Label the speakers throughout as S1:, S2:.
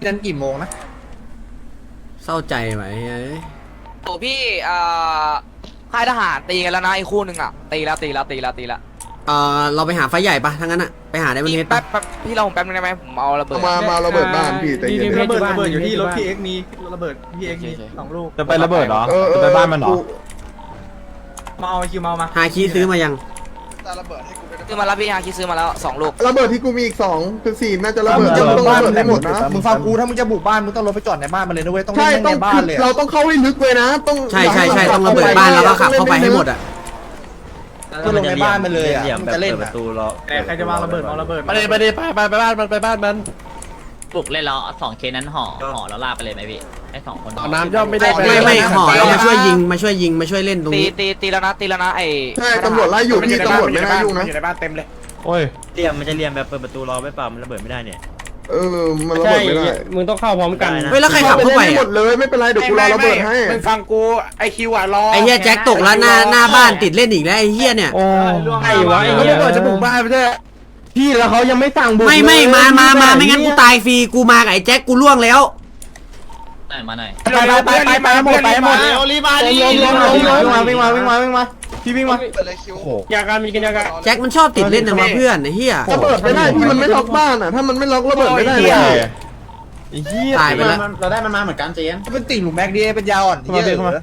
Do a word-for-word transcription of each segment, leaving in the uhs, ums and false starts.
S1: ยันกี่โมงนะ
S2: เศร้าใจไหม
S3: โอ้พี่อ่าค่ายทหารตีกันแล้วนะไอ้คู่หนึ่งอ่ะตีแล้วตีแล้วตีแล้วตีแล้ว
S2: เออเราไปหาไฟใหญ่ปะทั้งนั้นอะไปหาได้บนเฮด
S3: แป๊
S2: ปะ
S3: บแป๊บพี่เราผมแป๊บนึงได้ไหมผมเอาระเบิด
S4: มามาระเบิดบ้านพี่แต่เย็น
S1: ระเบิดระเบิดอยู่ที่รถพี่เอ็กมีระเบิดพี่เอ็กมีสองลูก
S5: จะไประเบิดเหรอจะไปบ้านมันเหรอ
S1: มาเอาคิวมามา
S2: หาคีซื้อมายัง
S3: ซื้อมาแล้วพี่ฮาคิซื้อมาแล้วสองลูก
S4: ระเบิดที่กูมีอีกสองคือสี่น่าจะระเบิดจะต้องระเบิดให้หมดนะ
S1: มึงฟังกูถ้ามึงจะบุกบ้านมึงต้องรถไปจอดในบ้านมันเลยนะเว้ยต้อง
S4: ใช่
S1: เล่น
S4: ต้อ
S1: ใน
S4: ง
S1: บ้านเลย
S4: เราต้องเข้าให้ลึกเลยนะต้อง
S2: ใช่ใช่ใช่ต้องระเบิดบ้านแล้วก็ขับเข้าไปให้หมดอะ
S1: ก็ลงในบ้านมันเลยอ่ะมึงจะเล่นประตูรอใครจะวางระเบิดวางระเบิด
S5: ไปเลยไปเลยไปไปไปบ้านมันไปบ้านมัน
S6: ปลุกเล่นแล้วสองเคนั้นห่อห่อแล้วลากไปเลยไหมพี่ให้สองคน
S5: น้ำย่อมไม่ได้
S2: ไม่ไม่ห่อแล้วมาช่วยยิงมาช่วยยิงมาช่วยเล่นตรง
S3: ตี
S2: นี้
S3: ตีตีแล้วนะตีแล้วนะไอ้
S4: ใช่ตำรวจไล่อยู่พี่ตำรวจไม่ไล่ยุ่งนะ
S5: อยู่ในบ้านเต็มเลยโอ้ย
S7: เรียมมันจะเรียมแบบเปิดประตูรอไม่เปล่ามันระเบิดไม่ได้เนี่ย
S4: เออมันระเบิดไม่ได้
S5: มึงต้องเข้าพร้อมกัน
S2: เฮ้ยแล้วใครขับเข้าไป
S4: หมดเลยไม่เป็นไรเดี๋ยวกูรอระเบิดให้
S5: มึงฟังกูไอคิวอ่ะรอ
S2: ไอ้เฮียแจ็คตกแล้วหน้าหน้าบ้านติดเล่นอีกแล้วไอ้เฮียเนี่ย
S5: โอ้ไอ้วะไอ้ระเบิดจะบุกบ้านไปเถอะพี่แล้วเขายังไม่สั่งบุก
S2: ไม่ไม่มามามาไม่งั้นกูตายฟรีกูมากับไอ้แจ็คกูล่วงแล้ว
S6: หน่อยมาหน่อย
S5: ไปไปไปไปหมดไปหมดรีบมาดิวิ่งมาวิ่งมาวิ่งมาวิ่งมาวิ่งมาพี่วิ่งมาอยากการมีกันอยากการ
S2: แจ็คมันชอบติดเล่นนะมาเพื่อนไอ้เฮีย
S4: ระเบิดไม่ได้พี่มันไม่ล็อกบ้านอ่ะถ้ามันไม่ล็อกระเบิดไม่ได้เลย
S2: ตายไปแล้ว
S1: เราได้มันมาเหมือนกันเจนเป็นติ่งหลุมแม็กดีเป็นยาวอ่อนที่เยอะ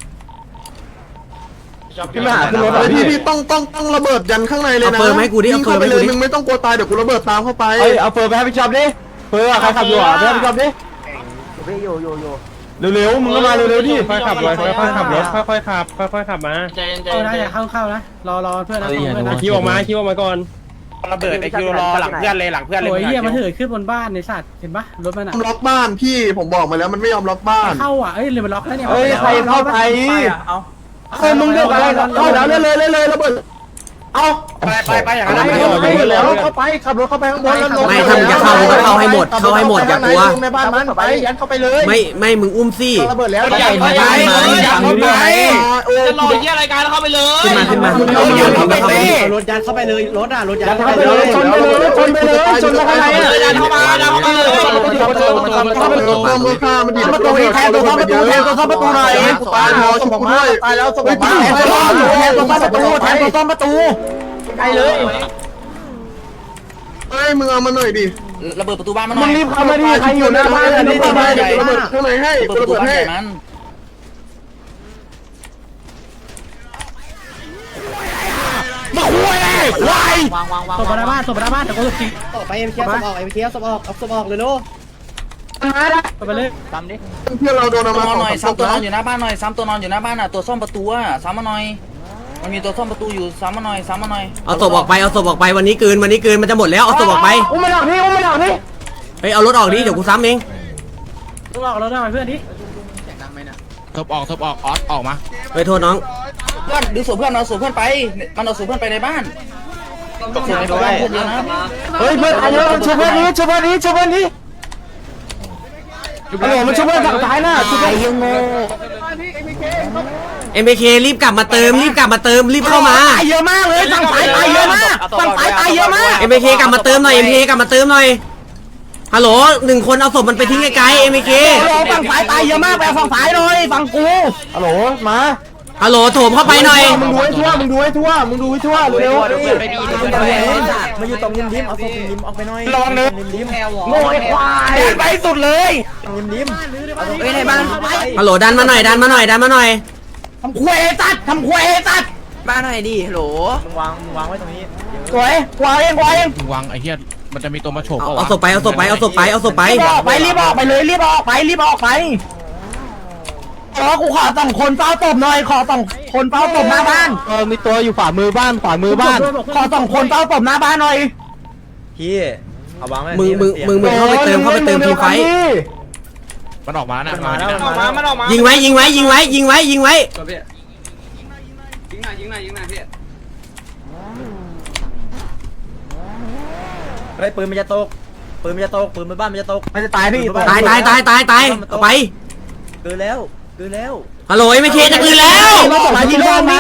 S4: พี่มาหาขึ้นรถพี่พี่ต้องต้องต้องระเบิดยันข้างในเลยนะ
S2: เอาเฟิร์มให้กูดิเอาเฟิร์มให้กูดิ
S4: มึงไม่ต้องกลัวตายเดี๋ยวกูระเบิดตามเข้าไป
S5: เฮ้ยเอาเฟิร์มไปให้พี่ชอบดิเฟิร์มใครขับอยู่อ่ะไปให้พี่ชอบดิเร็วๆมึงก็มาเร็วๆดิค่อยขับเลยค่อยๆขับรถค่อยๆขับค่อยๆขับมา
S6: ใจเย็นใจ
S1: เข้า
S6: เย็น
S1: นะอย่าเข้าเข้านะรอรอเพื่อนนะเพื่อนนะ
S5: คิวออกมาคิวออกมาก่อนระเบิดไอคิวรอหลังเพื่อนเลยหลังเพื่อนเลย
S1: โอ้ยเหี้ยมันเถิดขึ้นบนบ้านในสัตว์เห็นปะรถมันอ่ะ
S4: ล็อกบ้านพี่ผมบอกมาแล้วมันไม่ยอมล็อกบ้าน
S1: เข้าอ่ะเอ้ยเลยมันล็อกแล้วเนี่ย
S5: เฮ้ยใครเข้าไปเอาเฮ้ยมึงเลือกอะไรเข้าแล้วเลยเลยเลยระเบิดเอาไปไปไปอย่างนั้นไม่เอาแล้วเข้าไปขับรถเข้าไปข้างบนแล้วลง
S2: ไม่ถ้ามึงจะเข้ามึงก็เข้าให้หมดเข้าให้หมดอย่ากลัว
S5: ในบ้านมันไปยันเข้าไปเลย
S2: ไม่ไม่มึงอุ้มซี่
S5: ระเบิดแล้ว
S2: อย่าไปอย่าไป
S6: จะรอเยี่ยรายการแล้วเข้าไปเลย
S2: ขึ้นมาขึ้นมาขึ้นมาขึ้นมาเข้าไป
S1: รถยัดเข้าไปเลยรถอ่ะรถยัด
S5: เข้าไปเลยชนไปเลยชนไปเลยชนไปเลยยันเข้ามายันเข้ามาเลยเข้าประตูเข้าประตูเข้าประตู
S4: มือข้ามันดี
S5: ประตูนี้แทนตัวเข้าประตูแทนตัวเข้าประตูหน่อยตายแล้วสมองด้วยตายแล้วสมองมาแทนตัวแทนตัวเข้าประตูแทนตัวเข้าประตูไปเลย
S4: เฮ้ยมึงเอามาหน่อยดิ
S3: ระเบิดประตูบ้านมาหน่
S5: มึ
S3: อง ย
S5: รีบเข้ามาดิใครอยู่หน้าบ้านรีบเข้ามา
S4: ระเบิดข้างในให้ระเบิดให้
S3: มัน
S5: มาคุยเลยวายว
S6: างวางวาง
S1: ศพหน้าบ้านศพหน้าบ้านแต่ก็ศพออกไปเอ็มเคสศพออกเอ็มเคสศพออกเอาศพออกเลยลูกไปเลย
S6: ซ้ำดิ
S4: เพื่อนเราโดนเอามา
S3: ตัว
S4: สอง
S3: หน่อย
S4: สาม
S3: ซ้ำตัวนอน
S4: นะ
S3: อยู่หน้าบ้านหน่อยซ้ำตัวนอนอยู่หน้าบ้านอ่ะตัวซ่อมประตูอ่ะซ้ำมาหน่อยมันมีตัวซ่อมประตูอยู่ซ้ำมาหน่อยซ้ำมาหน่อย
S2: เอาศพออกไปเอาศพออกไปวันนี้เกินวันนี้เกินมันจะหมดแล้วเอาศพออกไป
S5: อุ้มมาหน่อยนี่อุ้มมาหน่อยนี่
S2: เฮ้ยเอารถออกดิเดี๋ยวกูซ้ำเอง
S1: ต้องออกรถได้ไหมเพื่อนดิ
S5: ทบออกทบออกออสออกมา
S2: ไปโทษน้อง
S3: เพื่อนดูศพเพื่อนเอาศพเพื่อนไปมันเอาศพเพื่อนไปในบ้านศพในบ้านเพื่อนเยอะนะ
S5: เฮ้ยเพื่อนเยอะช่วยเพื่อนนี้ช่วยเพื่อนนี้ช่วยเพื่อนนี้โอ้โหมันช่วยเพื่อนฝั่งซ้ายน่ะช่วยเพื่อนยังโง่
S2: เอ็มเครีบกลับมาเติมรีบกลับมาเติมรีบเข้ามา
S5: ตายเยอะมากเลยฝั่งซ้ายตายเยอะมากฝั่งซ้ายตายเยอะมาก
S2: เอ็มเคกลับมาเติมหน่อยเอ็มเคกลับมาเติมหน่อยฮัลโหลหนึ่งคนเอาศพมันไปทิ้งไกลๆเอ็มเค
S5: ฝั่งซ้ายตายเยอะมากไปฝั่งซ้ายหน่อยฝั่งกูฮัลโหลมา
S2: ฮัลโหลโถมเข้าไปหน่อย
S5: มึงดูให้ทั่วมึงดูให้ทั่วมึงดูให้ทั่วเร็ว
S1: มาอยู่ตรงริมริมเอาศพริมออกไปหน่อย
S5: ระวังเนื้อ
S1: ริม
S5: โง่ไอ้ควายไปสุดเลย
S1: ริมริม
S3: เฮ้ยในบ้าน
S2: ฮัลโหลดันมาหน่อยดันมาหน่อยดันมาหน่อย
S5: ทำควยตัดทำควยตัด
S3: บ้านหน่อยดิโหล
S1: มึงวางมึงวางไว้ตรงนี้
S5: สวยควายเองควายเอง
S8: วางไอ้เหี้ยมันจะมีตัวมาโฉบ
S2: เอาเอาศพไปเอาศพไปเอาศพไปเอาศพไป
S5: รีบออกไปรีบออกไปเลยรีบออกไปรีบออกไปขอกูขอสองคนเฝ้าตบหน่อยขอสองคนเฝ้าตบหน้าบ้านเออมีตัวอยู่ฝ่ามือบ้านฝ่ามือบ้านขอสองคนเฝ้าตบหน้าบ้านหน่อย
S1: พี่เอาวางไว้
S2: มึงมึงมึงมึงเข้าไปเติมเข้าไปเติมทีมไฟ
S8: มันออกมานะ
S1: มาแล้วมา
S5: มันออกมา
S2: ยิงไว้ยิงไว้ยิงไว้ยิงไว้ยิงไว้
S3: ยิงหน่อยยิงหน่อยยิงหน่อยพี่
S7: เฮ้ยปืนมันจะตกปืนมันจะตกปืนมันบ้านมันจะตก
S5: มันจะตายพี่
S2: ตายตายตายตายตายเอาไป
S7: เกินแล้วเกินแล้ว
S2: ฮัลโหลเอ็มเคจะคืนแล้ว
S5: มาตกมาที่โลกมัน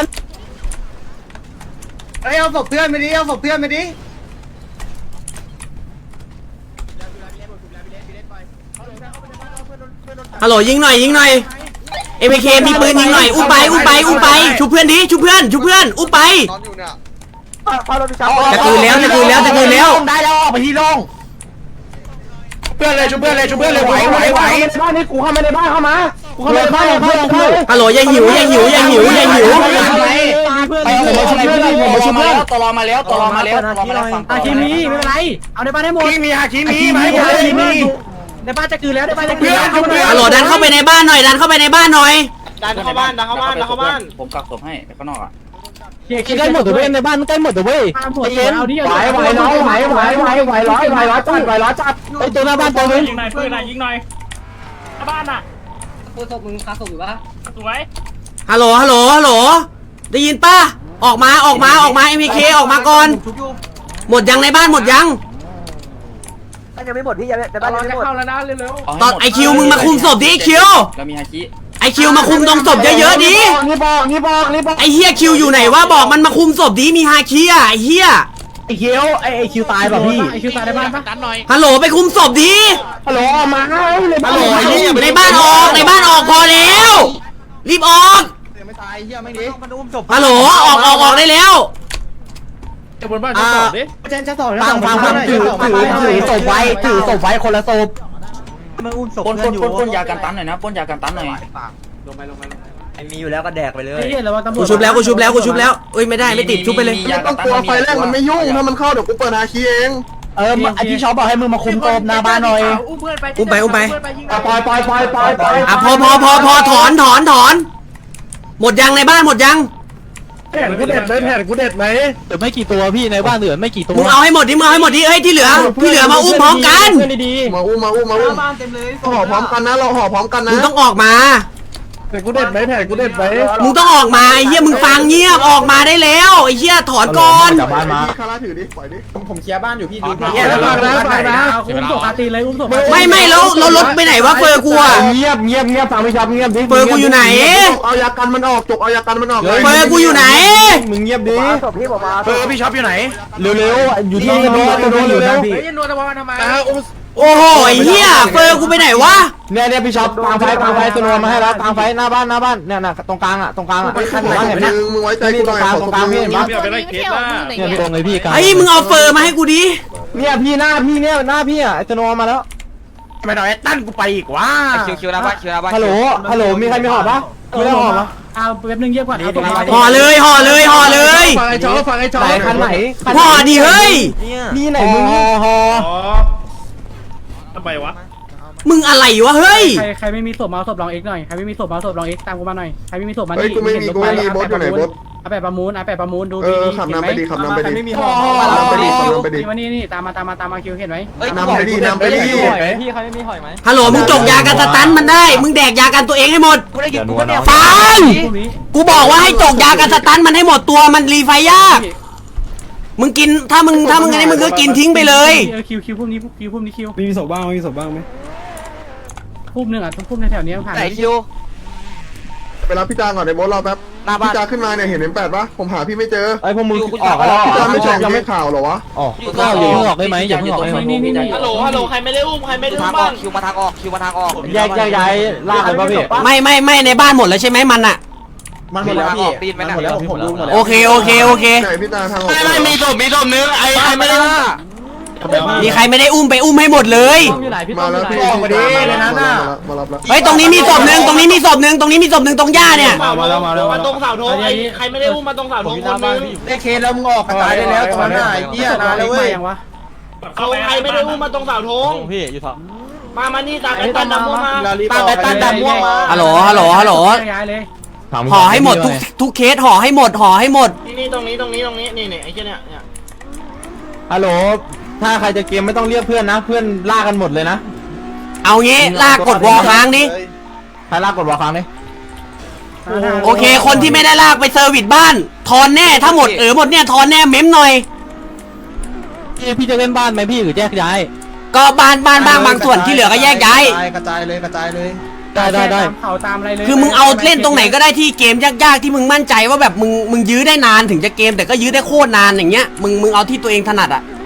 S1: เอ้ยเอาศพเพื่อนไปดิเอาศพเพื่อนไปดิ
S2: ฮัลโหลยิงหน่อยยิงหน่อยเอพีเคมีปืนยิงหน่อยอุ้มไปอุ้มไปอุ้มไปชุบเพื่อนดิชุบเพื่อนชุบเพื่อนอุ้มไปจะคืนแล้วจะคืนแล้วจะคืนแล้ว
S5: ได้แล้วออกไปที่โล่ง
S4: เพื่อนเลยชุบเพื่อนเลยชุบเพื่อนเลยไหวไหวไหว
S5: บ้านนี้กูเข้ามาในบ้านเข้ามากูเข้ามาในบ้านเพื่อนเพื่อน
S2: ฮัลโหลอย่าหิวอย่าหิวอย่าหิวอย่าหิว
S5: ไปผมมาชุบเพื่อนผมมาชุบเพื่อน
S3: ตลอมาแล้วตลอมาแล้วตลอมาแล้ว
S5: อาคีมีไม่เป็นไรเอาในบ้านให้หมด
S4: มีฮาคิมีไหม
S5: อาคีมีในบ้านจะกืนแล้วในบ้านจะกืนแล้ว
S2: ฮัลโหลดันเข้าไปในบ้านหน่อยดันเข้าไปในบ้านหน่อย
S3: ดันเข้าบ้านดันเข้าบ้านดันเข้าบ้าน
S6: ผมกักศพให้ข้างนอกอ่ะ
S5: ใกล้หมดตัวเว้ยในบ้านใกล้หมดตัวเว้ยเย็นไหวไหวน้องไหวไหวไหวไหวร้อยไหวร้อยจัดไหวร้อยจัดไปตัวหน้าบ้านตัวนึง
S6: ยิงหน่อยปืนหน่อยยิงหน่อยบ้านอ่ะ
S1: ตัวศพมึงคาศพอยู่ปะ
S6: สวย
S2: ฮัลโหลฮัลโหลฮัลโหลได้ยินป่ะออกมาออกมาออกมาเอ็มพีเคออกมาก่อนหมดยังในบ้านหมดยัง
S5: ยังไม่หมดพี่ยังในบ้านยังไม่หมด
S2: ตอนไอคิวมึงมาคุมศพดิไอคิว
S6: เรามีฮาคิ
S2: ไอคิวมาคุมตรงศพเยอะๆดิ
S5: นี่บอกนี่บอกนี่บอก
S2: ไอเฮียคิวอยู่ไหนวะบอกมันมาคุมศพดิมีฮาคิอ่ะไอเฮีย
S5: ไอคิวไอไอคิวตายป่ะพี่ไอคิวตายในบ้านปะ
S8: ดันหน่อย
S2: ฮัลโหลไปคุมศพดิ
S5: ฮัลโหลมาฮัลโหล
S2: ในบ้านออกในบ้านออกพอแล้วรีบออก
S4: ไม่ตายเฮียไม่ดี
S2: ฮัลโหลออกออกออกได้แล้ว
S8: จะบนบ้านจะตอบดิ
S1: เจนจะสอง
S5: ฟังฟังฟังถือถือถือศพไว้ถือศพไว้คนละศพ
S6: ปนปนปนปนยากันตันหน่อยนะปนยากันตันหน่อย
S7: ไอ้มีอยู่แล้วก็แดกไปเลย
S2: กูชุบแล้วกูชุบแล้วกูชุบแล้วเอ้ยไม่ได้ไม่ติดชุบไปเลย
S4: ไม่ต้องกลัวไฟแรกมันไม่ยุ่งถ้ามันเข้าเดี๋ยวกูเปิดฮาคิเอง
S5: เออไอพี่ชอบบอกให้มึงมาคุมศพหน้าบ้านหน่อย
S2: อุ้มไปอุ้มไป
S5: ปล่อยปล่อยปล่อยปล่อยปล่อย
S2: อ่ะพอพอพอพอถอนถอนถอน หมดยังในบ้านหมดยัง
S4: แผ่นกูเด็ดไหมแผ่นกูเด็ดไหม
S5: เหลือไม่กี่ตัวพี่ในบ้านเหลือไม่กี่ตัว
S2: มึงเอาให้หมดดิมึงเอาให้หมดดิเอ้ยที่เหลือที่เหลือมาอุ้มพร้อมกัน
S5: ดี
S4: มาอุ้มมาอุ้มมาอุ้มห่อพร้อมกันนะเราห่อพร้อมกันนะ
S2: มึงต้องออกมา
S4: แผ่นกูเด็ดไหมแผ่นกูเด็ดไหม
S2: มึงต้องออกมาไอ้เหี้ยมึงฟังเงียบออกมาได้แล้วไอ้เหี้ยถอนก่อน
S5: จากบ้านมา
S4: คาราถือดิปล่อยดิ
S1: ผมเคลียร์บ้านอยู่พี่ดู
S4: เดี๋ยวฝากนะฝากนะ
S8: อุ้มศพอาตีเลยอุ้มศพ
S2: ไม่ไม่แล้วเรารถไปไหนวะเฟอร์กูอะ
S5: เงียบเงียบเงียบฟังไม่ชอบเงียบดิ
S2: เฟอร์กูอยู่ไหน
S4: เอายากันมันออกจกเอายากันมันออกเลย
S2: เฟอร์กูอยู่ไหน
S5: มึงเงียบดิ
S4: เออพี่ช็อปอยู่ไหน
S5: เร็วๆอยู่ที่โน้ตโน้ตอยู่นะพี่
S2: โอ้โหไอ้เหี้ยเฟอร์กูไปไหนวะ
S5: เนี่ยเนี่ยพี่ช็อปกลางไฟกลางไฟตัวโน้ตมาให้แล้วกลางไฟหน้าบ้านหน้าบ้านเนี่ยน่ะตรงกลางอ่ะตรงกลางอ่ะขั้นหัวเห็นไหม
S4: มึงมึงไว้ใจกูหน่อยขอสมมือ
S5: เนี่ยพี่ตรงเลยพี่กลาง
S2: ไอ้มึงเอาเฟอร์มาให้กูดิ
S5: เนี่ยพี่หน้าพี่เนี่ยหน้าพี่อ่ะไอตัวโน้ตมาแล้ว
S4: ไม่หน่อยตั้นกูไปอีกว่า
S3: คิวคิวนะบ้านคิวนะบ้าน
S5: ฮัลโหลฮัลโหลมีใครมีหอบปะมีได้หอบปะ
S1: เอาแป๊บนึงเงียบก่อน
S2: ห่อเลยห่อเลยห่อเลย
S4: ฟังไอ้จอฟังไอ้จอ
S5: ไหนคันไหน
S2: ห่อดิเฮ้ย
S5: นี่ไหนมึงหอ
S8: ทำไมวะ
S2: มึงอะไรวะเฮ้ย
S1: ใครใครไม่มีศพมาเอาศพลองเอ็กหน่อยใครไม่มีศพมาเอาศพลองเอ็กตามกูมาหน่อยใครไม่มีศพมา
S4: เฮ้ยกูไม่มีกูไม่มีบอสอยู่ไหนบอส
S1: เอาแปะประมูลเอาแปะประมูลดู
S4: เอ
S1: ดี
S4: อขับนำไปดิขับนำไปดิ
S1: ไม่มี
S4: ขับนำไปดิขับนำไปดิ
S1: มานี่นี่ตามมาตามมาตามมาคิวเห็นไหม
S4: นำไปดินำไปดิ
S5: พี่เขาไม่มีหอยไหม
S2: ฮัลโหลมึงจกยากันสตันมันได้ มึงแดกยากันตัวเองให้หมด ฟัง กูบอกว่าให้จกยากันสตันมันให้หมดตัวมันรีไฟยาก มึงกินถ้ามึงถ้ามึงอะไรมึงก็กินทิ้งไปเลย
S1: เออคิวคิวพุ่มนี้คิวพุ่มนี้คิว
S9: มีศพบ้างมีศพบ้างไหม
S1: พุ่มหนึ่งอ่ะต้องพุ่มในแถวนี้ผ่าน
S3: ไหนคิว
S4: ไปรับพี่จางก่อนในบอสรอแป๊บ
S3: หน้าบ้า
S4: พี่
S3: น
S4: จางขึ้นมาเนี่ยเห็นเอ็มแปดปะผมหาพี่ไม่เจอ
S5: ไอพวกมึงออกแล้ว
S4: พี่จางไม่แจ้งยังไม่ข่าวหรอวะ
S5: ออกก็อย่าเพิ่งออกได้ไหมอย่าเพิ่งออกได้ไหม
S1: นี่นี่นี่
S3: ฮัลโหลฮัลโหลใครไม่ได้อุ้มใครไม่ได้อุ้มบ้านคิวมาทางออกคิวมาทางออก
S5: แยกแยกย้ายลากเลยป่ะพี่
S2: ไม่ไม่ไม่ในบ้านหมดแล้วใช่ไหมมันอะ
S3: มันหมดแล้วพี่ปีนไปนะ
S2: โอเคโอเคโอเค
S4: ไหนพี่จางทางออก
S3: ไม่มีศพมีศพนึงไอ้ไอ้ไม่ได้
S2: มีใครไม่ได้อุ้มไปอุ้มให้หมดเลย
S4: มาแล้วพี่มารับแล้ว
S2: เฮ้ยตรงนี้มีศพหนึ่งตรงนี้มีศพหนึ่งตรงนี้มีศพหนึ่งตรงหญ้าเนี่ย
S5: มาแล้วมาแล้ว
S3: มาตรงเสาธงไอ้ใครไม่ได้อุ้มมาตรงเสาธงคนนึง
S4: ได้เคสแล้วมึงออกกระจายได้แล้วตอนนั้นไอ้เหี้ยนานแล้วเว้ย
S1: ยังวะ
S3: เอาใครไม่ได้อุ้มมาตรงเสาธง
S5: พี่อยู่ถัง
S3: มามานี่ตามไปตันดำม่วงมาตามไปตันดำม่วงมา
S2: ฮัลโหลฮัลโหลฮัลโหล
S1: ย้ายเลย
S2: ห่อให้หมดทุกทุกเคสห่อให้หมดห่อให้หมด
S3: นี่นี่ตรงนี้ตรงนี้ตรงนี้นี่นี่ไอ้เจ้าเนี่ยเนี่ย
S5: ฮัลโหลถ้าใครจะเกมไม่ต้องเรียกเพื่อนนะเพื่อนลากกันหมดเลยนะ
S2: เอางี้ลากกดวอลค้างดิ
S5: ใครลากกดวอลค้างดิ
S2: โอเค คนที่ไม่ได้ลากไปเซอร์วิสบ้านทอนแน่ถ้าหมดเออหมดเนี่ยทอนแน่เม้มหน่อย
S5: พี่พี่จะเล่นบ้านไหมพี่หรือแยกย้าย
S2: ก็บ้านบ้านบ้างบางส่วนที่เหลือก็แยกย้าย
S4: กระจายเลยกระจายเลย
S5: ได้ได้ได้
S1: ตามเขาตามอะไรเลย
S2: คือมึงเอาเล่นตรงไหนก็ได้ที่เกมยากๆที่มึงมั่นใจว่าแบบมึงมึงยื้อได้นานถึงจะเกมแต่ก็ยื้อได้โคตรนานอย่างเงี้ยมึงมึงเอาที่ตัวเองถนัดอะ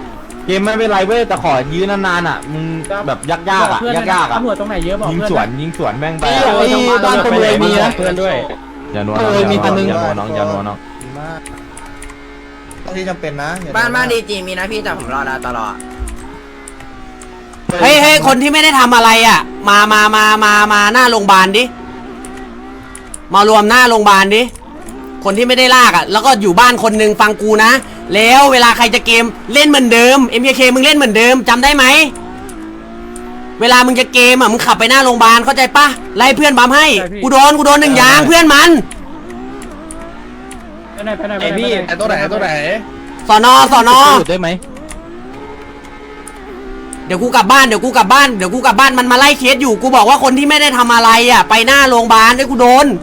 S5: เกมไม่เป็นไรเว้ยแต่ขอยื้อนานๆอ่ะมึงแบบยากๆอ่ะยากๆอ่ะ
S8: ตำรวจตรงไหนเยอะบอก
S5: ยิง
S8: เพื่อน
S5: สวนยิงสวนแม่งไป
S8: ไอ้บ้านตำรวจมีนะเพื่อนด้วย
S5: อย่านัวน้องอย่านัวน้องอย่านัวน้อง
S4: มากที่จำเป็นนะ
S7: บ้านบ้านดีจีมีนะพี่แต่ผมรอดาตลอด
S2: เฮ้ยเฮ้ยคนที่ไม่ได้ทำอะไรอ่ะ มามามามามาหน้าโรงพยาบาลดิมารวมหน้าโรงพยาบาลดิคนที่ไม่ได้ลากอ่ะแล้วก็อยู่บ้านคนหนึ่งฟังกูนะแล้วเวลาใครจะเกมเล่นเหมือนเดิม เอ็ม เค มึงเล่นเหมือนเดิมจำได้ไหมเวลามึงจะเกมอ่ะมึงขับไปหน้าโรงพยาบาลเข้าใจปะไล่เพื่อนบัมให้กูโดนกูโดนหนึ่งยางเพื่อนมัน
S8: ไปไหนไปไหน
S5: ไอพี่ไอตัวไหนตัวไหน
S2: สอนอสอนอ
S5: ได้ไหม
S2: เดี๋ยวกูกลับบ้านเดี๋ยวกูกลับบ้านเดี๋ยวกูกลับบ้านมันมาไล่เคสอยู่กูบอกว่าคนที่ไม่ได้ทำอะไรอ่ะไปหน้าโรงพยาบาลด้วยกูโดน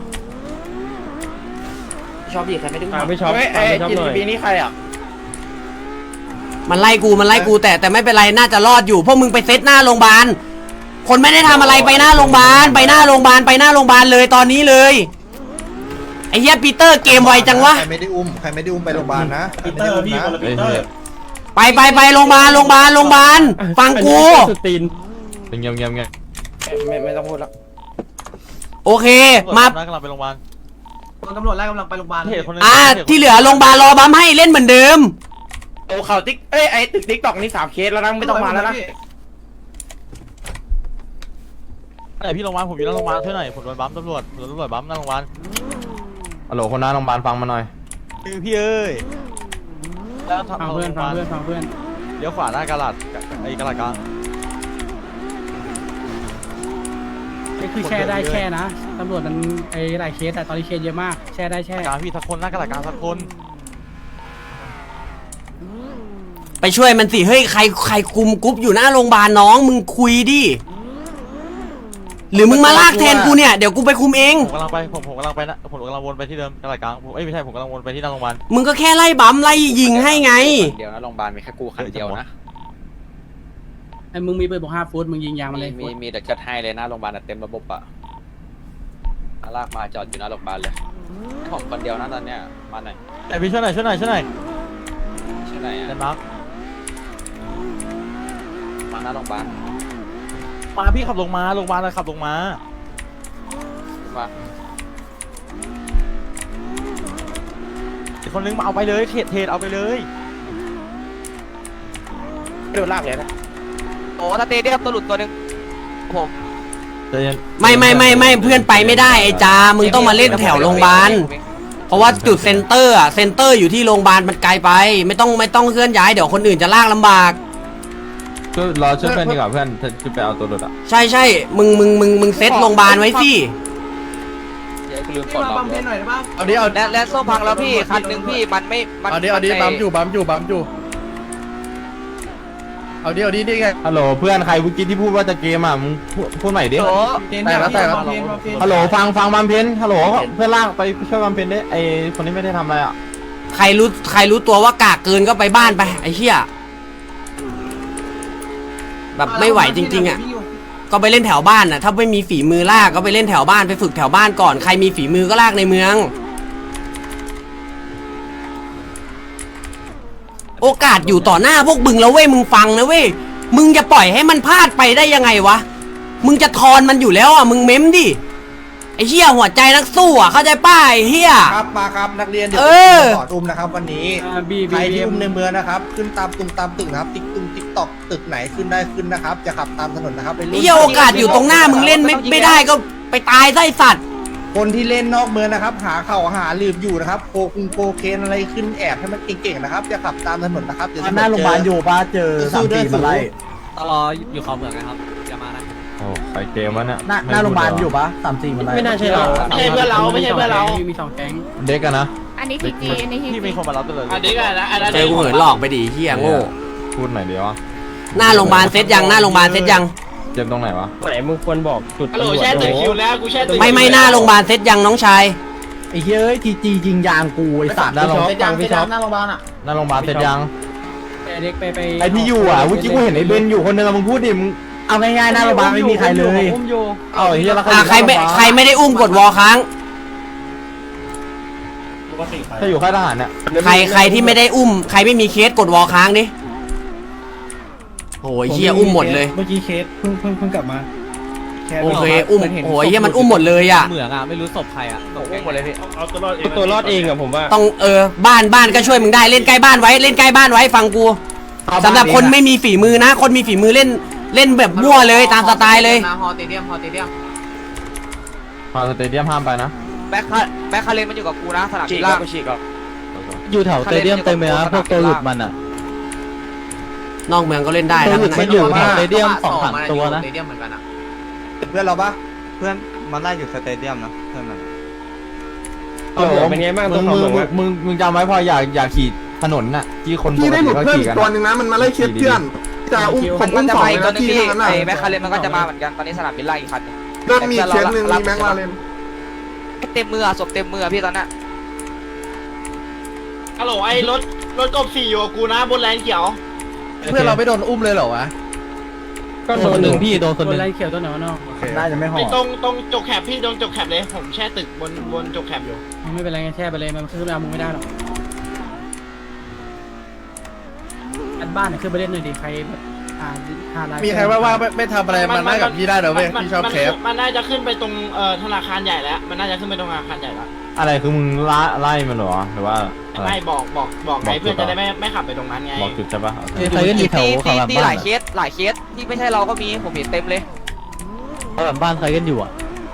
S3: ชอบดีใครไม่ได้
S8: ไม่ชอบไม่ชอบเลย
S5: ปีนี้ใครอ่ะ
S2: มันไล่กูมันไล่กูแต่แต่ไม่เป็นไรน่าจะรอดอยู่พวกมึงไปเซตหน้าโรงพยาบาลคนไม่ได้ทำอะไรไปหน้าโรงพยาบาลไปหน้าโรงพยาบาลไปหน้าโรงพยาบาลเลยตอนนี้เลยไอ้เหี้ยปีเตอร์เกมไวจังวะ
S4: ใครไม่ได้อุ้มใครไม่ได้อุ้มไปโรงพยาบาลนะปีเตอร์พี่คนละปีเตอร์
S2: ไปไปไปโรงพยาบาลโรงพยาบาลโรงพยาบาลฟังกู
S8: สุดตีน
S5: เป็นเงียบเงียบเงียบ
S3: ไม่ไม่ต้องพูดแล้ว
S2: โอเคมา
S5: กำลังไปโรงพยาบาล
S7: ตำรวจไล่กำลังไปโรงพยาบาล
S2: อ่าที่เหลือโรงพยาบาลรอบัมให้เล่นเหมือนเดิม
S5: โอ้ข่าวติ๊กเอ้ยไอตึกติ๊กตอกนี่สามเคสแล้วนะไม่ต้องมาแล้วนะไหนพี่โรงพยาบาลผมอยู่หน้าโรงพยาบาลช่วยหน่อยผมโดนบัมตำรวจโดนตำรวจบัมหน้าโรงพยาบาลฮัลโหลคนหน้าโรงพยาบาลฟังมาหน่อยพี่เอ้ย
S8: ฟังเพื่อนฟังเพื่อนฟังเพื่อน
S5: เดี๋ยวขวาหน้ากระดาษไอ้กระดาษกลาง
S8: นี่คือแช่ได้แช่นะตำรวจมันไอ้หลายเคสแต่ตอนนี้เคสเยอะมากแช่ได้แช่
S5: กลางพี่สักคนหน้ากระดาษกลางสักคน
S2: ไปช่วยมันสิเฮ้ยใครใครคุมกรุ๊ปอยู่หน้าโรงพยาบาลน้องมึงคุยดิหรือมึงมาลากแทนกูเนี่ยเดี๋ยวกูไปคุมเอง
S5: ผมกำลังไปผมผมกำลังไปนะผมกำลังวนไปที่เดิมกระดาษกลางผมเอ้ยไม่ใช่ผมกำลังวนไปที่หน้าโรงพยาบาล
S2: มึงก็แค่ไล่บัมไล่ยิงให้ไง
S3: เดียวนะโรงพยาบาลมีแค่กูคันเดียวนะ
S8: ไอ้มึงมีปืนบอกห้าฟุตมึงยิงยางมันเลย
S3: มีมีแต่จัดให้เลยหน้าโรงพยาบาลเต็มระบบอ่ะลากมาจอดอยู่หน้าโรงพยาบาลเลยผมคนเดียวนะตอนเนี้ยมาหน่อย
S5: แต่พี่ช่วยหน่อยช่วยหน่อยช่วยหน่อย
S3: ชื่อไหน
S5: เด
S3: อ่ะ
S5: นมาร์ก
S3: มาหน้าโรงพยาบาล
S5: มาพี่ขับลงมาโรงพยาบาลเลยขับลงมา
S3: มา
S5: อีกคนนึงมาเอาไปเลยเทรดเทรดเอาไปเลยโดนลากเลยนะ
S3: โอ้ถ้าเตะเดียบตัวหลุดตัวหนึ่งผม
S2: ไม่ไม่ไม่ไม่เพื่อนไปไม่ได้ไอ้จามึงต้องมาเล่นแถวโรงพยาบาลเพราะว่าจุดเซ็นเตอร์อะเซ็นเตอร์อยู่ที่โรงพยาบาลมันไกลไปไม่ต้องไม่ต้องเคลื่อนย้ายเดี๋ยวคนอื่นจะลากลำบาก
S5: ก็รอช่วยเพื่อนดีกว่าเพื่อนจะไปเอาตัวรถอ่ะ
S2: ใช่ใช่มึงมึงมึงมึงเซตโรงพยาบาลไว้สิ
S3: เดี๋ยวกูลืมกดล็อกเลย
S1: เอาดิเอา
S3: และและโซ่พังแล้วพี่คันหนึ่งพี่มันไม่มัน
S1: เอาดิเอาดิบัมอยู่บัมอยู่บัมอยู่เอาดิเอาดิดิไง
S5: ฮัลโหลเพื่อนใครเมื่อกี้ที่พูดว่าจะเกมอ่ะมึงพูดพูดใหม่ดิ
S3: โอ้
S1: แต่แล้วแต่แล้ว
S5: ฮัลโหลฟังฟังบำเพ็ญฮัลโหลเพื่อนลากไปช่วยบำเพ็ญได้ไอคนนี้ไม่ได้ทำอะไรอ่ะ
S2: ใครรู้ใครรู้ตัวว่ากากเกินก็ไปบ้านไปไอ้เหี้ยแบบไม่ไหวจริงๆอ่ะก็ไปเล่นแถวบ้านน่ะถ้าไม่มีฝีมือลากก็ไปเล่นแถวบ้านไปฝึกแถวบ้านก่อนใครมีฝีมือก็ลากในเมือง โอกาสอยู่ต่อหน้าพวกมึงแล้วเว้ยมึงฟังนะเว้ยมึงจะปล่อยให้มันพลาดไปได้ยังไงวะมึงจะทอนมันอยู่แล้วอ่ะมึงเม้มดิไอ้เหี้ยหัวใจนักสู้อ่ะเข้าใจป้าไอ้เหี้ย
S4: ครับมาครับนักเรียนเดี๋ยว
S2: เออ
S4: สอนอุ้มนะครับวันนี้
S8: บี
S4: ใคร
S8: บี
S4: ที่อุ้มในเมืองนะครับ ขึ้นตามตุงตามตึกนะครับติ๊กตุงติ๊กตอกตึกไหนขึ้นได้ขึ้นนะครับจะขับตามถนนนะครับไป
S2: ไอ้เหี้ยโอกาสอยู่ตรงหน้ามึงเล่นไม่ไม่ได้ก็ไปตายไส้สัตว์
S4: คนที่เล่นนอกเมืองนะครับ หาเข่าหาลืมอยู่นะครับโคคุงโคเคนอะไรขึ้นแอบให้มันเก่งๆนะครับจะขับตามถนนนะครับเดี๋ยว
S5: หน้าโรงพยาบาลอยู่ป้าเจอสามสี่มาไล่
S3: ตลออยู่เขาเมืองนะครับอย่ามานะ
S5: โอ้ไปเกมวะเนี่ย
S7: หน้าหน้าโรงพยาบาลอยู่ปะสามสี่มาไล่
S8: ไม่น่าใช่เราไม่ใช่เพื่อนเราไม่ใช่เพื่อนเรามีสองแก๊ง
S5: เด็กกันนะ
S9: อันนี้ทีจีอันนี้ที
S5: พี่
S9: จี
S5: มีคนมารับตัวเลย
S3: อันนี้ก็นะอันนั้น
S2: เจอกูเหินหลอกไปดิเหี้ยโง่
S5: พูดหน่อยเดียว
S2: หน้าโรงพยาบาลเซตยังหน้าโรงพยาบาลเซตยัง
S5: เจ็บตรงไหนวะ
S8: ไหนมึงควรบอกจุด
S3: ฮัลโหลแช่ตึกคิวแล้วกูแช่ตึก
S2: ไม่ไม่หน้าโรงพยาบาลเซตยังน้องชาย
S5: ไอ้เฮ้ยทีจียิงยางกูไอ้สัตว์หน้าโรงพยาบาล
S8: ยังพี่ช็อป
S7: หน้าโรงพยาบาลอ่ะ
S5: หน้าโรงพยาบาลเสร็จยัง
S8: ไปเด็กไปไป
S5: ไอที่อยู่อ่ะเมื่อกี้กูเห็นไอ้เบนอยู่คนนึงมึงพูดดิมึง
S7: เอาง่ายๆหน้าโรงพยาบาลไม่มีใครเลย
S5: เอาไอ้เหี้ยแล้ว
S2: อ่ะใครไม่ใครไม่ได้อุ้มกดวอลค้าง
S5: ถ้าอยู่ค่ายทหารเนี่ย
S2: ใครใครที่ไม่ได้อุ้มใครไม่มีเคสกดวอลค้างดิโอ้ยเฮียอุ้มหมดเลย
S8: เมื่อกี้เคสเพิ่งเพิ่งเพิ่งกลับมา
S2: โอเคอุ้มโอ้ยเฮียมันอุ้มหมดเลยอ่ะ
S7: เหมืองอ่ะไม่รู้ศพใครอ่ะ
S3: อุ้มหมดเลยพี่
S9: เอาตัวรอดเองตัวรอดเองอะผมว่า
S2: ต้องเออบ้านบ้านก็ช่วยมึงได้เล่นใกล้บ้านไว้เล่นใกล้บ้านไว้ฟังกูสำหรับคนไม่มีฝีมือนะ คนมีฝีมือเล่นเล่นแบบมั่วเลยตามสไตล์เลย
S7: ฮอเตเดียมฮอเตเดียม
S3: พอสเตเดียมห้ามไปนะ
S7: แบ็คคาแบ็คคาเลนมันอยู่กับกูนะสนาม
S3: ฉี
S7: บิ
S3: ก
S7: นล่าง
S3: ก็ฉีกก็
S7: อยู่แถวสเตเดียมเต็มเลยนะพวกตัวหลุดมันอ่ะ
S2: นอกเมืองก็เล่นได้นะ
S7: มันอยู่แถวสเตเดียมสองสามตัวนะสเตเดียมเหมือนกันอ่ะ
S4: เพื่อนเราปะ
S5: เพื่อนมันไล่อยู่สเตเดียมนะเพื่อนมัน
S9: ตัวเหมืองเป็นไงบ้างตัวเหมืองอะ
S5: มึงมึงจำไว้พออยากอยากขี่ถนนน่ะที่คน
S4: พี่ได้หลุดเพิ่มอีกตัวหนึ่งนะมันมาไล่เคสเพื่อนจะอุ้มผมอุ้มสองนาทีเท่านั้นน่ะ
S7: ไอ้แบ็คคาเลนมันก็จะมาเหมือนกันตอนนี้สนามบินล่างอีกคันนึง
S4: เริ่มมีเคสหนึ่งมีแม็กลาเรน
S7: เต็มมือศพเต็มมือพี่ตอนนั้น
S9: ฮัลโหลไอ้รถรถกบสี่อยู่กับกูนะบนแลนเขียว
S4: เพื่อนเราไม่โดนอุ้มเลยเหรอวะ
S9: ก็โดนหนึ่งพี่โดน
S8: คนไรเขียวตัวไหนวะน้อง
S7: น่าจะไม่ห่อ
S9: ไอ้ตรงตรงจกแคบพี่ตรงจกแคบเลยผมแช่ตึกบนบนจกแคบอยู่
S8: ไม่เป็นไรงั้นแช่ไปเลยมันขึ้นมามึงไม่ได้หรอกอันบ้านเนี่ยขึ้นไปเล่นหน่อยดิใครแบบอ่าหาลาย
S4: มีใครว่าว่าไม่ไม่ทำอะไรมันได้กับพี่ได้เหรอเว้ยพี่ชอบแคป
S9: มันน่าจะขึ้นไปตรงเอ่อธนาคารใหญ่แล้วมันน่าจะขึ้นไปตรงธนาคารใหญ่แล้ว
S5: อะไรคือมึงไล่ไล่มันเหรอหรือว่าอะไร
S9: ไม่บอกบอกบอกไงเพื่อนจะได้ไม่ไม่ขับไปตรงนั้นไง
S5: บอกจุดใช่ปะ
S7: ใครก็อยู่แถวเขาแบบบ้านหลายเคสหลายเคสที่ไม่ใช่เราก็มีผมเห็นเต็มเลยเขาแบบบ้านใครกันอยู่อ่ะ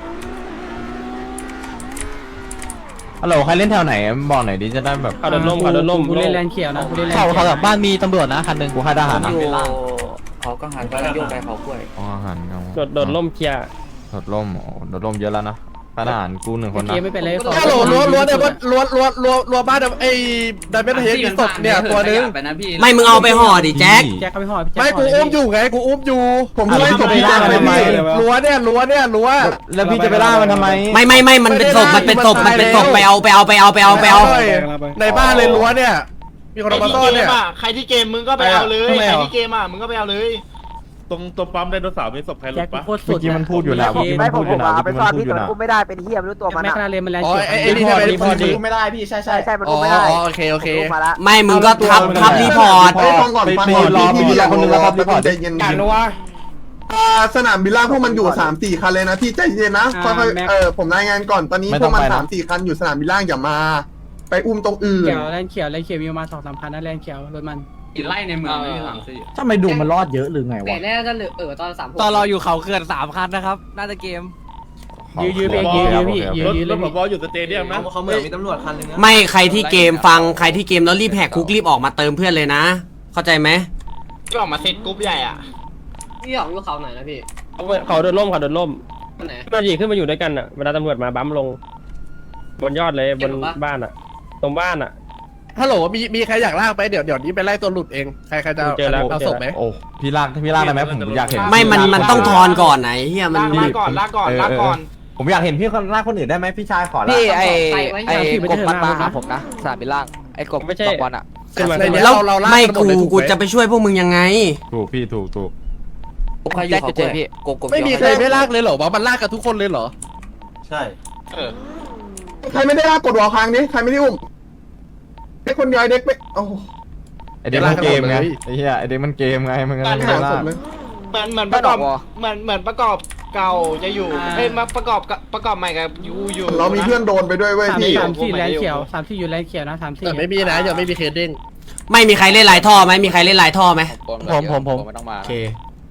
S5: ฮัลโหลใครเล่นแถวไหนบอกหน่อยดิจะได้แบบ
S9: เขาโดนล่มเขาโดนล่ม
S8: กูเล่นแลนเขียวนะกูเล่นแลน
S7: เขา
S8: เขียว
S7: เขาแบบบ้านมีตำรวจนะคันหนึ่ง
S5: กูค่ายทหารนะ
S7: เขาก็หันไปโยกไปเขากล้วย
S5: อ๋อทหารเงา
S9: โดดโดดล่มเคลียร์
S5: โดดล่มโอ้โดดล่มเยอะแล้วนะค่ายทหารกูหนึ่งคนนะ
S8: เกมไม่เป็นไร
S4: ฮัลโหลล้วนล้วนเนี่ยล้วนล้วนล้วนล้วนบ้านไอ้ไดเมทเฮดมีศพเนี่ยตัวนึง
S2: ไม่มึงเอาไปห่อดิแจ็ค
S8: แจ็คเขาไปห่อพี่แจ็ค
S4: ไม่กูอุ้มอยู่ไงกูอุ้มอยู่ผมไล่ศพพี่แจ็คไปพี่ล้วนเนี่ยล้วนเนี่ยล้วน
S5: แล้วพี่จะไปล่ามันทำไม
S2: ไม่ไม่ไม่มันเป็นศพมันเป็นศพมันเป็นศพไปเอาไปเอาไปเอาไปเอาไปเอา
S4: ในบ้านเลยล้วนเนี่ยมีคน
S9: ใคร
S4: เอามา
S9: ที่
S4: ซ่อ
S9: เก
S4: นเนี่
S9: ม
S4: ย
S9: อ่ะใครที่เกมมึงก็ไปเอาเลย
S4: ทำไม
S9: ใคร
S4: อ่ะ
S9: ที่เกมอ่ะมึงก็ไปเอาเลย
S10: ตรงตรงปั๊มไดโนเสาร์มีศพใครหลุ
S8: แจ็ค
S10: ดปะ
S8: โคตรสุ
S5: เมื่อ
S8: ด
S5: กี้มันพูดอยู่นะเมื่อกี้มันพูดอยู่นะเมื่อกี้มันพูดอยู่นะ
S7: ไม่ได้เป็นเฮียไม่รู้ตัวมัน
S8: แม็ก
S7: อะ
S8: ลาเรนมันแลน
S4: อ๋อ
S8: เขียว
S4: ไอ้ไอ้นี่ได้เป็นคนดี
S7: ไม่ได้พี่ใช่ใช่ใช่มัน
S4: อ๋อ
S7: ไม่ได้
S4: โอเคโอเค
S7: มาละ
S2: ไม่มึงก็ทับทับรีพอร์ต
S4: ไปฟังก่อนฟังก่อนพี่พี่รอคนนึงแล้วครับรีพอร์ตใจเย็น
S9: การรู้ว่า
S4: อ่าสนามบินล่างพวกมันอยู่สามสี่คันเลยนะพี่ใจเย็นนะค่อยๆเออผมรายงานก่อนตอนนี้พวกมันสามสี่คันอยู่สนามบินล่างอย่ามา ไปอุ้มตรงอื่น
S8: เขียวแลนเขียวแลนเขียวมีประมาณสองสามพันนะแลนเขียวรถมัน
S1: ไล่ในเมืองไม่มีหลังสิ
S7: ทำไมดูมันรอดเยอะหรือไง
S1: แต่
S7: วะ
S1: แน่จะเหลือเออตอนสาม
S7: ตอนเราอยู่เขาเขื่อนสามคันนะครับน่าจะเกม
S8: ยื้อยื้อพี่ยื้อยื้อพี่ยื้
S10: ร
S8: อ
S10: ถ
S8: ยื้อ
S10: ร
S8: เล
S10: ถ
S8: ย
S10: ผบอยู่สเตเดียมนะ
S7: เขาเหมือนมีตำรวจคันนึง
S2: ไม่ใครที่เกมฟังใครที่เกมแล้วรีบแหกคุกรีบออกมาเติมเพื่อนเลยนะ เข้าใจไหม
S9: ก็ออกมาเซตกรุ๊ปใหญ่อ่ะ
S1: พี่หยองอยู่เขาไหนนะพี่
S9: เขาโดนล่มเขาโดนล่ม
S1: คนไหน
S9: มาหยีขึ้นมาอยู่ด้วยกันอ่ะเวลาตำรวจมาบั๊มลง บนยอดเลยบนบ้านอ่ะ ตรงบ้านอ่ะ
S4: ฮัลโหลมีมีใครอยากลากไปเดี๋ยวเดี๋ยวนี้ไปไล่ตัวหลุดเองใครใครจะ
S9: เจอแล้ว
S4: เอาศพไหม
S5: โอ้พี่ลากพี่ลากได้ไหมผมอยากเห็น
S2: ไม่มันมันต้องทอนก่อนไหนเฮียมัน
S9: ลากก่อนลากก่อนลากก่อน
S5: ผมอยากเห็นพี่ลากคนอื่นได้ไหมพี่ชายขอลาก
S7: พี่ไอไอกบมันมาหาผมนะสนามบินล่างไอกบ
S9: ไม่ใช่
S7: ตกวันอะ
S9: ขึ้นมา
S4: ในเนี้ย
S2: แล้ว
S4: เราเราลาก
S2: ไม่
S4: กันหมด
S2: กู
S4: เลยถูกไหม
S2: กูจะไปช่วยพวกมึงยังไง
S5: ถูกพี่ถูกถูก
S7: ใครอยู่เขาเจอพี่กบกบ
S4: ไม่มีใครไม่ลากเลยเหรอวะมันลากกันทุกคนเลยเหรอ
S5: ใช่
S9: เออ
S4: ใครไม่ได้ลากกดวอลค้างนี้ใครไม่ได้อุ้มไอ้คนย้ายเด็กไปโอ้
S5: ไอเด็กมันเกมไงไอ้เหี้ยไอเด็กมันเกมไงมันก็ไม่ได้ลาก
S9: เหมือนเหมือนประกอบเหมือนเหมือนประกอบเก่าจะอยู่เอ้ยมาประกอบกับประกอบใหม่กับยูอยู่
S4: เรามีเพื่อนโดนไปด้วยเว้ย
S8: สาม
S4: พี่
S8: สามสี่แลนเขียวสามสี่อยู่แลนเขียวนะสามสี่
S4: แต่ไม่มีนะยังไม่มีเคสเด้ง
S2: ไม่มีใครเล่นลายท่อไหมมีใครเล่นลายท่อไหม
S3: ผมผมผมไม่ต้องมา
S2: โอเค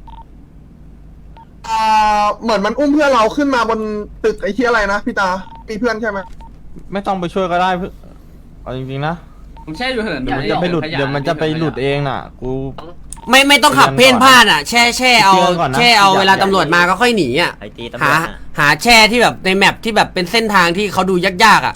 S4: อ่าเหมือนมันอุ้มเพื่อนเราขึ้นมาบนตึกไอ้ที่อะไรนะพี่ตามีเพื่อนใช่ไหม
S5: ไม่ต้องไปช่วยก็ได้เอาจริงๆนะ
S1: ผมแช่อยู่เหิน
S5: เดี๋ยวมันจะไปหลุดเดี๋ยวมันจะไปหลุดเองน่ะกู
S2: ไม่ไม่ต้องขับเพ่นพ่านอ่ะแช่แช่เอา
S5: เตือนก่อนนะ
S2: แช่เอา
S5: อย่า
S2: เวลาตำรวจมาก็ค่อยหนีอ่ะ
S6: ไอตีตำร
S2: หาว
S6: จน่ะ
S2: หาแช่ที่แบบในแมปที่แบบเป็นเส้นทางที่เขาดูยากๆอ่ะ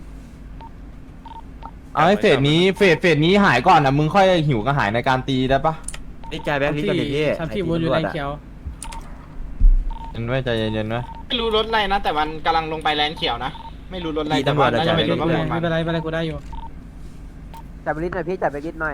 S5: เอาให้เฟสนี้เฟสเฟสนี้หายก่อนนะมึงค่อยหิวกระหายในการตีได้ปะ
S7: นี่ใจแบงค์พี่ก่อนดิพี่
S8: สามสี่วนอยู่แลนเขียว
S5: เย็นไว้ใจเย็นๆไว้
S9: ไม่รู้รถอะไรนะ แต่มันกำลังลงไปแลนเขียวนะไม่รู้รถอะไรแต่ว่าน่าจะเป็นรถ
S8: ไม่
S9: ตำรวจ
S8: เป็น
S9: มัน
S8: ไรไม่เป็นไรกูได้อยู่
S7: จับไปลิสหน่อยพี่จับไปลิสหน่อย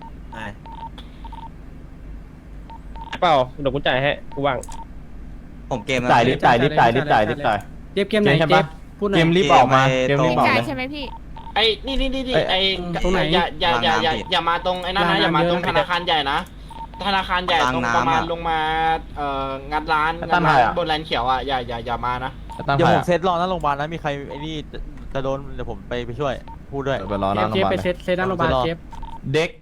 S9: เปล่าเดี๋ยวกูจ่ายให้กูว่าง
S7: ผมเกม
S5: จ่ายรีบจ่ายรีบจ่ายรีบจ่ายรีบจ่าย
S8: เจ็บเกมไหน
S5: ใช่
S8: เจ็
S5: ปะ
S8: บพูดหน่
S5: เก
S8: อย
S5: มรีบออกมาเกมรีบออก
S11: จ่าย
S5: เลย
S11: ใช่ไหมพี่
S9: ไอ้นี่นี่นี่นี่
S5: เอ้ย
S9: ไอ้
S8: ตรงไหน
S9: อย่าอย่าอย่าอย่าอย่ามาตรงไอ้นั่นนะอย่ามาตรงธนาคารใหญ่นะธนาคารใหญ่ตรงประมาณลงมาเอ่องัดร้านงัดร้านบนแลนเขียวอ่ะอย่าอย่าอย่ามานะ
S7: เดี๋ยวผมเซตรอหน้าโรงพยาบาลนะมีใครไอ้นี่จะโดนเดี๋ยวผมไปไปช่วยพูดด้วย
S8: เชฟเชฟไปเซตเซตนั่งโรงพยาบาลเชฟ
S7: เด็ก